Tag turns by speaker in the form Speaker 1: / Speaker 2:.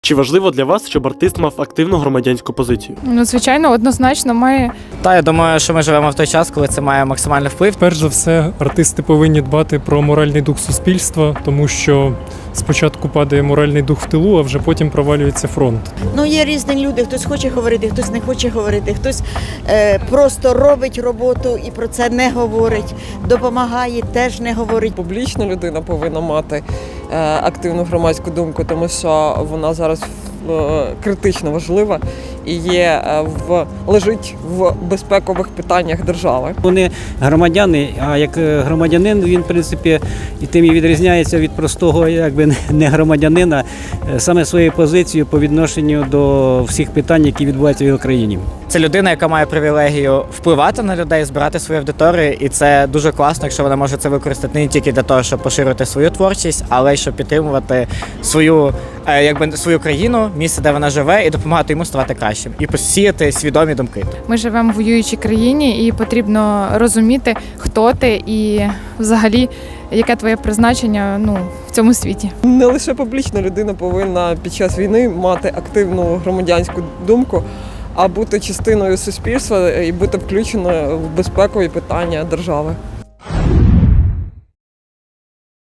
Speaker 1: Чи важливо для вас, щоб артист мав активну громадянську позицію?
Speaker 2: Ну, звичайно, однозначно має.
Speaker 3: Та я думаю, що ми живемо в той час, коли це має максимальний вплив.
Speaker 4: Перш за все, артисти повинні дбати про моральний дух суспільства, тому що спочатку падає моральний дух в тилу, а вже потім провалюється фронт.
Speaker 5: Ну, є різні люди, хтось хоче говорити, хтось не хоче говорити, хтось просто робить роботу і про це не говорить, допомагає, теж не говорить.
Speaker 6: Публічна людина повинна мати активну громадську думку, тому що вона зараз критично важлива і лежить в безпекових питаннях держави.
Speaker 7: Вони громадяни, а як громадянин він, в принципі, і тим і відрізняється від простого, якби не громадянина, саме своєю позицією по відношенню до всіх питань, які відбуваються в Україні.
Speaker 3: Це людина, яка має привілегію впливати на людей, збирати свої аудиторії, і це дуже класно, якщо вона може це використати не тільки для того, щоб поширювати свою творчість, але й щоб підтримувати свою країну, місце, де вона живе, і допомагати йому ставати кращим, і посіяти свідомі думки.
Speaker 2: Ми живемо в воюючій країні і потрібно розуміти, хто ти і взагалі яке твоє призначення в цьому світі.
Speaker 6: Не лише публічна людина повинна під час війни мати активну громадянську думку, а бути частиною суспільства і бути включеною в безпекові питання держави.